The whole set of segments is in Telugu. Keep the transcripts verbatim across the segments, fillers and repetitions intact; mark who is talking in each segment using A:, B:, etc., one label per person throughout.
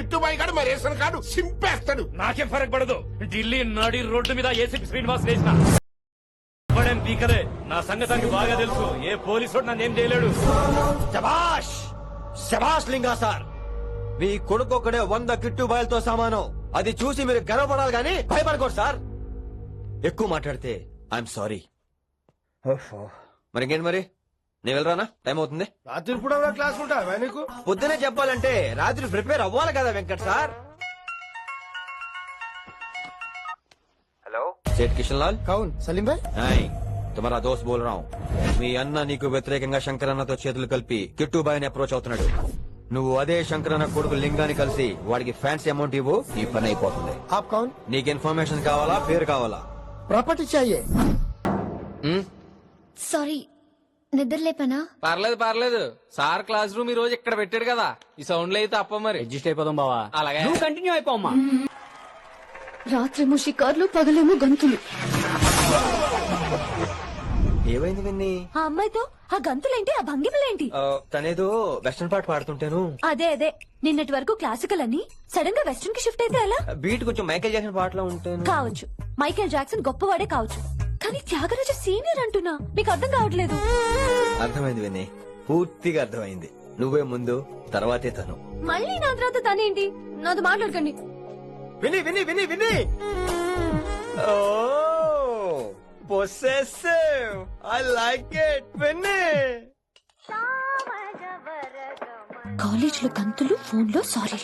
A: కిట్టుబాయి గారు మా రేషన్ కార్డు సింపేస్తాడు.
B: నాకేం ఫరక్ పడదు. ఢిల్లీ నడి రోడ్డు మీద ఏసీపీ శ్రీనివాస్ వేసిన పడేం పీకలే. నా సంగతానికి బాగా తెలుసు. ఏ పోలీసు నన్ను ఏం చేయలేడు.
C: శభాష్ శభాష్ లింగా సార్, మీ కొడుకు ఒక్కడే వంద కిట్టు బాయలతో సమానం. అది చూసి మీరు గర్వపడాలి గానీ భయపడకూడదు సార్. ఎక్కువ మాట్లాడితే ఐఎమ్ సారీ. మరి ఇంకేంటి మరి, నేను వెళ్ళరానా? టైం అవుతుంది.
A: రాత్రి కూడా క్లాస్ ఉంటా నీకు.
C: పొద్దునే చెప్పాలంటే రాత్రి ప్రిపేర్ అవ్వాలి కదా వెంకట్ సార్. हेलो सेठ किशन लाल.
A: कौन? सलीम भाई.
C: नहीं, तुम्हारा दोस्त बोल रहा हूँ. మీ అన్న నీకు వ్యతిరేకంగా శంకరన్నతో చేతులు కలిపి కిట్టుబాయిని అప్రోచ్ అవుతున్నాడు. నువ్వు అదే శంకరన్న కొడుకు లింగాన్ని కలిసి వాడికి ఫ్యాన్సీ అమౌంట్ ఇవ్వు, నీ పని అయిపోతుంది.
A: आप कौन?
C: నీకు ఇన్ఫర్మేషన్ కావాలా, పేరు కావాలా?
A: प्रॉपर्टी चाहिए.
D: సారీ, నిద్ర లేపనా?
E: పర్లేదు పర్లేదు. సార్ క్లాస్ రూమ్ ఈ రోజు ఇక్కడ పెట్టాడు కదా, ఈ సౌండ్ లో అయితే అప్ప మరి
B: అడ్జస్ట్ అయిపోదాం బావా.
E: అలాగే
B: నువ్వు కంటిన్యూ అయిపోమ్మా.
D: రాత్రేమో షికార్లు, పగలేమో గంతులు.
C: ఏమైంది విన్ని?
D: ఆ అమ్మాయితో ఆ గంతులేంటి, ఆ భంగిమలేంటి?
C: ఆ, తనేదో వెస్టర్న్ పాట పాడుతుంటాను.
D: అదే అదే, నిన్నటి వరకు క్లాసికల్ అని సడన్ గా వెస్టర్న్ కి షిఫ్ట్ అయితే ఎలా?
C: బీట్ కొంచెం మైకేల్ జాక్సన్ పాటలో ఉంటాను.
D: కావచ్చు, మైకేల్ జాక్సన్ గొప్పవాడే కావచ్చు, కానీ త్యాగరాజ సీనియర్ అంటున్నా. మీకు అర్థం కావట్లేదు.
C: అర్థమైంది విని, పూర్తిగా అర్థమైంది. నువ్వే ముందు, తర్వాతే తను.
D: మళ్ళీ నా తర్వాత తనేంటి? నాతో మాట్లాడకండి.
C: విని విని విని విని oh possessive, I like it విని.
D: కాలేజ్ లో గంతులు, ఫోన్ లో సారీలు.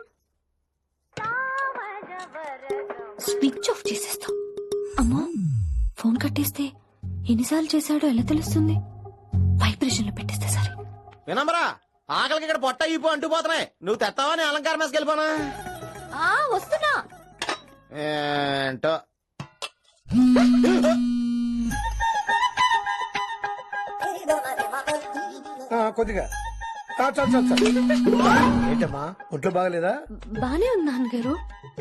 D: స్విచ్ ఆఫ్ చేసేస్తాం. అమ్మా, ఫోన్ కట్టేస్తే ఎన్నిసార్లు చేశాడో ఎలా తెలుస్తుంది? వైబ్రేషన్ లో పెట్టేస్తే సరే.
C: వినమ్రా, ఆకలికి ఇక్కడ పొట్ట ఇప్పు అంటూ పోతున్నాయి. నువ్వు తెస్తావని అలంకారం వేసుకెళ్ళిపోనా?
D: ఆ వస్తున్నా.
C: ఏంటో
A: కొద్దిగా చాలు చాలు చాలు. ఏంటమ్మా, ఒంట్లో బాగలేదా?
D: బానే ఉంది నాన్నగారు.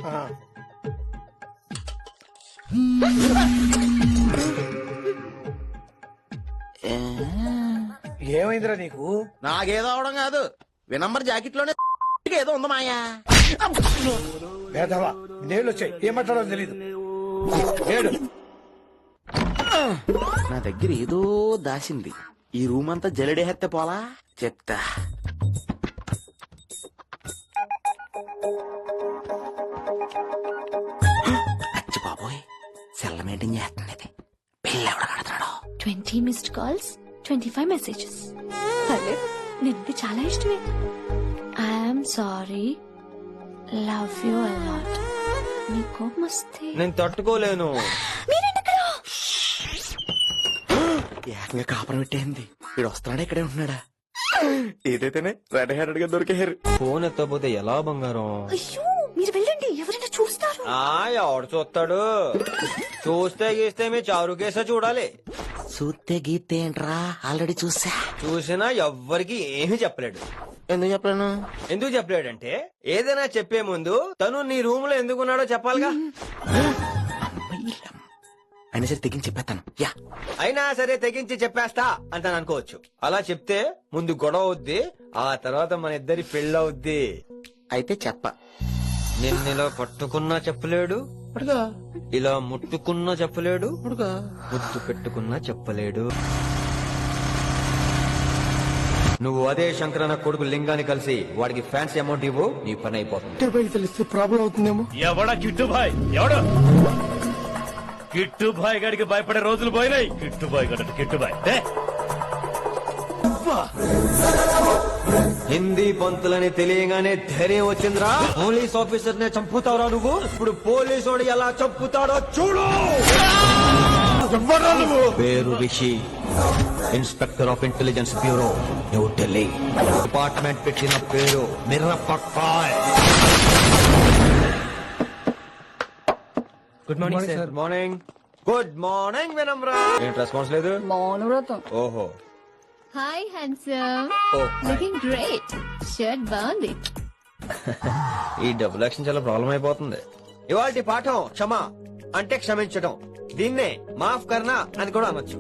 A: ఏమైందిరా నీకు?
C: నాకేదో అవడం కాదు, వినంబర్ జాకెట్ లోనే ఏదో ఉంది మాయా.
A: వేదవా, నేళ్ళు వచ్చాయి, ఏం మాట్లాడాలో తెలీదు. ఏడు
F: నా దగ్గర ఏదో దాసింది. ఈ రూమ్ అంతా జలడేహెత్తే పోలా చెప్తా. అచ్చి బాబోయ్, సెల్ల మెయింటైన్ చేస్తున్నది. పెళ్ళి ఎవడ కడతాడో.
D: Twenty missed calls, twenty five messages. పర్లేదు, నిన్నది చాలా ఇష్టమే. I'm sorry, love you a lot. నీ కోపం వస్తే
C: నేను తట్టుకోలేను.
F: ఏకంగా కాపురం పెట్టేంది. వీడు వస్తున్నాడా, ఇక్కడే ఉంటున్నాడా? ఏదైతేనే రెడ్ హ్యాండెడ్ గా దొరికారు.
C: ఫోన్ ఎత్తపోతే ఎలా బంగారం?
D: అయ్యో, మీరు వెళ్ళండి, ఎవరైనా చూస్తారు.
C: ఆ ఎవడు చూస్తాడు? చూస్తే గీస్తే మీ చారు కేసే చూడాలి.
F: చూస్తే గీతే ఏంట్రా, ఆల్రెడీ చూసా.
C: చూసినా ఎవ్వరికి ఏమీ చెప్పలేడు.
F: ఎందుకు చెప్పలేను?
C: ఎందుకు చెప్పలేడంటే, ఏదైనా చెప్పే ముందు తను నీ రూమ్ లో ఎందుకున్నాడో చెప్పాలిగా.
F: అయినా సరే తెగించి చెప్పేస్తాను. యా,
C: అయినా సరే తెగించి చెప్పేస్తా అంటాను అనుకోవచ్చు. అలా చెప్తే ముందు గొడవ అవుద్ది, ఆ తర్వాత మన ఇద్దరి పెళ్ళవుద్ది.
F: అయితే చెప్ప.
C: నిన్న ఇలా పట్టుకున్నా చెప్పలేడు, ఇలా ముట్టుకున్నా చెప్పలేడు, ముద్దు పెట్టుకున్నా చెప్పలేడు. నువ్వు అదే శంకరన్న కొడుకు లింగాన్ని కలిసి వాడికి ఫ్యాన్సీ అమౌంట్ ఇవ్వు, నీ పని అయిపోతుంది.
A: తెలిస్తే ప్రాబ్లం అవుతుందేమో.
B: ఎవడా కిట్టుబాయ్? ఎవడు కిట్టుబాయ్ గడికి భయపడే రోజులు పోయినాయి. కిట్టుబాయ్ గడ కిట్టుబాయ్
C: హిందీ పంతులని తెలియగానే ధైర్యం వచ్చిందిరా. పోలీస్ ఆఫీసర్ నే చంపుతావురా నువ్వు. ఇప్పుడు పోలీసోడు ఎలా చంపుతాడో చూడు. పేరు Rishi, inspector of intelligence bureau, New Delhi. Department పెట్టిన పేరు Mirapakay.
B: Good morning sir.
C: Good morning. Good morning Vinamra. ఏంటి రెస్పాన్స్ లేదు?
D: మౌనవ్రతం.
C: ఓహో,
D: hi handsome,
C: oh
D: looking great. Shirt బాగుంది.
C: ఈ డబుల్ యాక్షన్ చాలా ప్రాబ్లం అయిపోతుంది. ఇవాళ పాఠం క్షమ అంటే క్షమించడం. దీన్నే మాఫ్ కర్నా అని కూడా అనొచ్చు.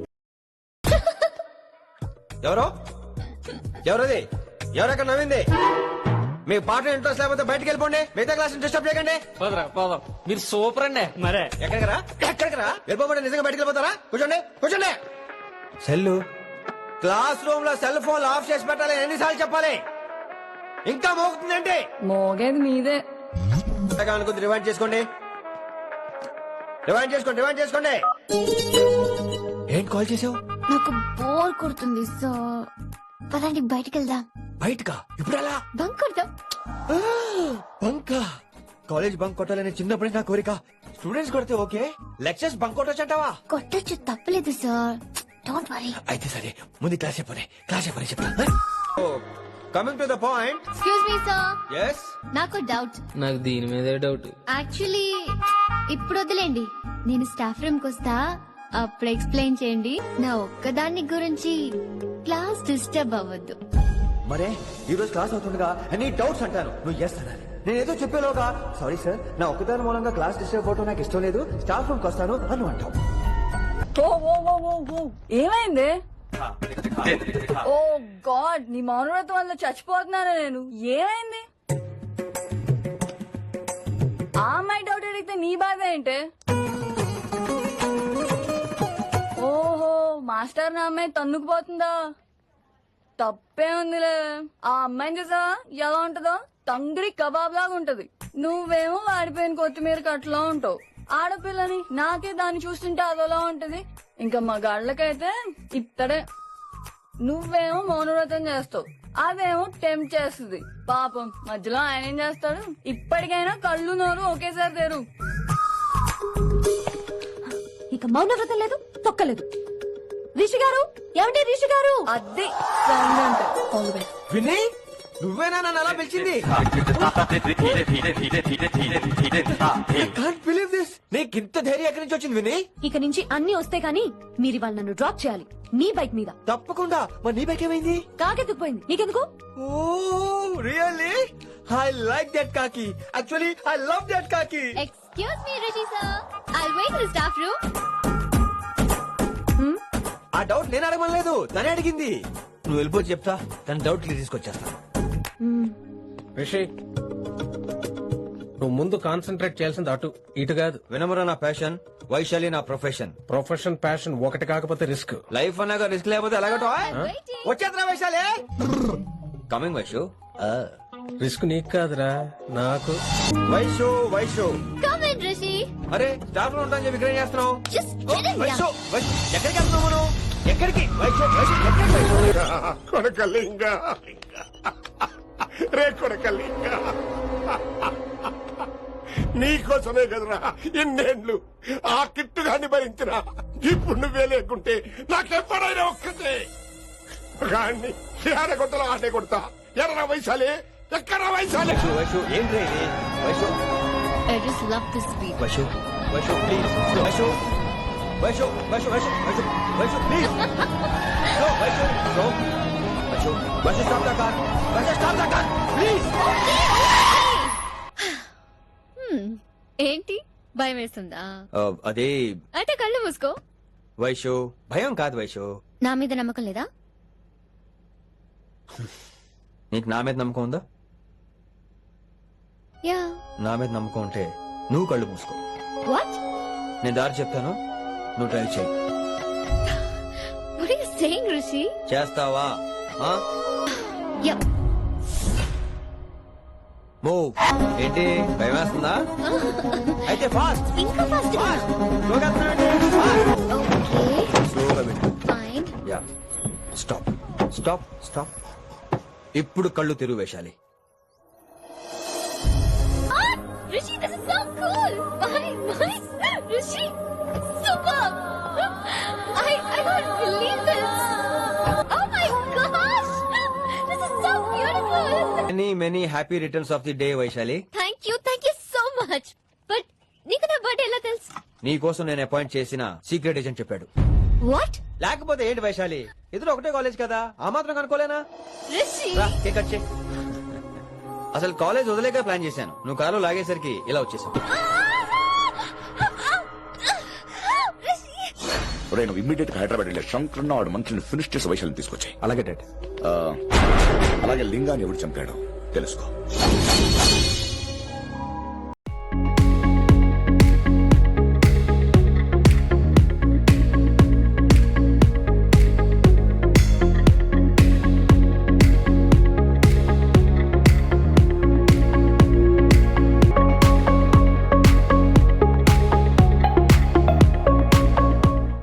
C: ఎవరో ఎవరది? ఎవరక్కడ నవ్వింది? మీ పాట ఇంట్రెస్ట్ లేకపోతే బయటకు వెళ్ళిపోండి, మిగతా క్లాస్ డిస్టర్బ్ చేయకండి.
E: పోదరా పోదాం. మీరు సూపర్ అండి.
B: మరే
C: ఎక్కడికి రా ఎక్కడికి రా వెళ్ళిపోమంటే నిజంగా బయటకు వెళ్ళిపోతారా? కూర్చోండి కూర్చోండి. సెల్లు క్లాస్ రూమ్ లో సెల్ ఫోన్ ఆఫ్ చేసి పెట్టాలి, ఎన్నిసార్లు చెప్పాలి? ఇంకా మోగుతుందండి.
G: మోగేది మీదే.
C: అనుకుంది రివైండ్ చేసుకోండి, రివైండ్ చేసుకోండి, రివైండ్ చేసుకోండి. ఏంటి కాల్ చేసావు?
D: నాకు బోర్ కొడుతుంది సో పదండి బయటికి వెళ్దాం.
C: బయటకా? ఇప్పుడు ఎలా?
D: బంక్ కొడదాం.
C: బంకా? కాలేజ్ బంక్ కొట్టాలని చిన్నప్పుడే నా కోరిక. స్టూడెంట్స్ కొడితే ఓకే, లెక్చర్స్ బంక్ కొట్టొచ్చు అంటావా?
D: కొట్టచ్చు, తప్పలేదు సార్. Don't worry.
C: అయితే సరే, ముందు క్లాస్ చెప్పనే క్లాస్ చెప్పని చెప్తా. Coming to the point.
D: Excuse me sir,
C: yes.
D: నాకు డౌట్.
E: నాకు దీని మీదే డౌట్.
D: యాక్చువల్లీ ఇప్పుడు వదిలేండి, నేను స్టాఫ్ రూమ్ కి వస్తా, అప్పుడు ఎక్స్ప్లెయిన్ చేయండి. నా ఒక్కదాన్ని గురించి క్లాస్ డిస్టర్బ్ అవ్వద్దు.
C: మరే ఈ రోజు క్లాస్ అవుతుండగా ఎనీ డౌట్స్ అంటాను, నువ్వు ఎస్ అనాలి. నేను ఏదో చెప్పేలోగా సారీ సార్, నా ఒక్కదాని మూలంగా క్లాస్ డిస్టర్బ్ అవడం నాకు ఇష్టం లేదు, స్టాఫ్ రూమ్ కి వస్తాను అని అంటావు.
G: ఓ ఓ ఓ ఓ ఓ ఏమైంది? ఓ గాడ్, నీ మౌనవ్రతం వల్ల చచ్చిపోతున్నాను నేను. ఏమైంది? ఆ అమ్మాయి డౌట్ అడిగితే నీ బాధ ఏంటి? ఓహో, మాస్టర్ నా అమ్మాయి తన్నుకుపోతుందా? తప్పే ఉందిలే. ఆ అమ్మాయిని చూసావా ఎలా ఉంటదో? తంగిడి కబాబ్ లాగా ఉంటది. నువ్వేమో వాడిపోయిన కొత్తిమీర కట్లా ఉంటావు. ఆడపిల్లని నాకే దాన్ని చూస్తుంటే అదోలా ఉంటది. ఇంకా మా గాళ్ళకైతే ఇత్తడే. నువ్వేమో మౌనవ్రతం చేస్తావు, అదేమో టెంప్ట్ చేస్తుంది. పాపం మధ్యలో ఆయన ఏం చేస్తాడు? ఇప్పటికైనా కళ్ళు నోరు ఒకేసారి తెరు.
D: ఇక మౌనవ్రతం లేదు, తొక్కలేదు. రిషి గారు, ఏమంటే రిషి గారు?
G: అది సౌండ్ అంటే.
C: విని నువ్వేనా నన్ను అలా పిలిచింది? Can't believe this. నీకు ఇంత ధైర్యం ఎక్కడి నుంచి వచ్చింది విని?
D: ఇక నుంచి అన్ని వస్తే గానీ మీరు ఇవాళ నన్ను డ్రాప్ చేయాలి, నీ బైక్ మీద.
C: తప్పకుండా. మరి నీ బైక్ ఏమైంది?
D: కాకెత్తుకుపోయింది. నీకెందుకు?
C: Oh really? I like that కాకి. యాక్చువల్లీ ఐ లవ్ దట్ కాకి.
D: Excuse me Rishi sir, I wait in the staff room.
C: ఆ డౌట్ నేను అడగలేదు, తనే అడిగింది. నువ్వు వెళ్ళిపోయి చెప్తా, తన డౌట్ క్లియర్ తీసుకొచ్చేస్తా.
A: రిషి, నువ్వు ముందు కాన్సన్ట్రేట్ చేయాల్సింది అటు ఇటు కాదు.
C: వినమరా నా ప్యాషన్, వైశాలి నా ప్రొఫెషన్.
A: ప్రొఫెషన్ ప్యాషన్ ఒకటి కాకపోతే రిస్క్.
C: లైఫ్ అన్నాక రిస్క్ లేకపోతే ఎలాగటో? వచ్చేద్రా వైశాలి. కమింగ్ వైషు.
A: రిస్క్ నీకు కాదురా, నాకు.
C: Vaishu Vaishu
D: come in Rishi.
C: అరే స్టాఫ్ లో ఉంటాను చెప్పి ఇక్కడ ఏం చేస్తున్నావు?
D: Just
C: oh,
D: get in
C: Vaishu
D: here.
C: Vaishu, ఎక్కడికి వెళ్తున్నావు మనం? ఎక్కడికి వైషు వైషు ఎక్కడికి వైషు?
H: కొడకలింగ రే కొడకలింగ, నీకోసమే కదరా ఇన్నేళ్లు ఆ కిట్టుగాన్ని భరించిన. ఇప్పుడు నువ్వే లేకుంటే నాకెప్పుడైనా ఒక్కతే గాన్ని ఆడగొట్టలో ఆడే కొడతా. ఎర్ర వైశాలి, ఎక్కడ వైశాలి?
C: వైషు వైషు ఏంటి ఇది? Vaishu
D: I just love this beat.
C: Vaishu Vaishu please. Vaishu Vaishu Vaishu Vaishu Vaishu Vaishu please. No Vaishu no Vaishu Vaishu stop the car. Vaishu stop the car please.
D: ఏంటి భయం వేస్తుందా?
C: అదే
D: అయితే కళ్ళు మూసుకో.
C: వైషు భయం కాదు వైషు.
D: నా మీద నమ్మకం లేదా?
C: నీకు నా మీద నమ్మకం ఉందా?
D: యా.
C: నా మీద నమ్మకం ఉంటే నువ్వు కళ్ళు మూసుకో.
D: వాట్?
C: నేను దారి చెప్తాను, నువ్వు ట్రై చేయి.
D: What are you saying, Rishi?
C: చేస్తావా?
D: Yep.
C: మూవ్. ఏంటి భయం వేస్తుందా? అయితే ఫాస్ట్
D: ఇంకా ఫాస్ట్.
C: ఫాస్ట్ స్లోగా ఫాస్ట్.
D: ఓకే.
C: స్లోగా వెళ్ళు.
D: Fine.
C: Yeah. Stop stop stop. ఇప్పుడు కళ్ళు తెరువు Vaishali.
D: Rishi, this is so cool. My, my, Rishi, super. I, I can't believe this. Oh my gosh, this is so beautiful.
C: Many many happy returns of the day Vaishali.
D: Thank you, thank you so much. But నీకు నా బర్త్డే ఎలా తెలుసు?
C: నీ కోసం నేను అపాయింట్ చేసిన సీక్రెట్ ఏజెంట్ చెప్పాడు.
D: What?
C: లేకపోతే ఏంటి వైశాలి, ఇద్దరు ఒకటే కాలేజ్ కదా, ఆ మాత్రం కనుకోలేనా?
D: Rishi.
C: రా, కేక్ కట్ చేయి. అసలు కాలేజ్ వదిలేక ప్లాన్ చేశాను, నువ్వు కారు లాగేసరికి ఇలా వచ్చేసావు.
H: ఒరే నువ్వు ఇమ్మీడియట్ గా హైదరాబాద్ వెళ్ళే శంకర్ వాడు మంత్రిని ఫినిష్ చేసి వైశాలిని తీసుకొచ్చాయి.
C: అలాగే డాడ్.
H: అలాగే లింగాన్ని ఎవడు చంపాడు తెలుసుకో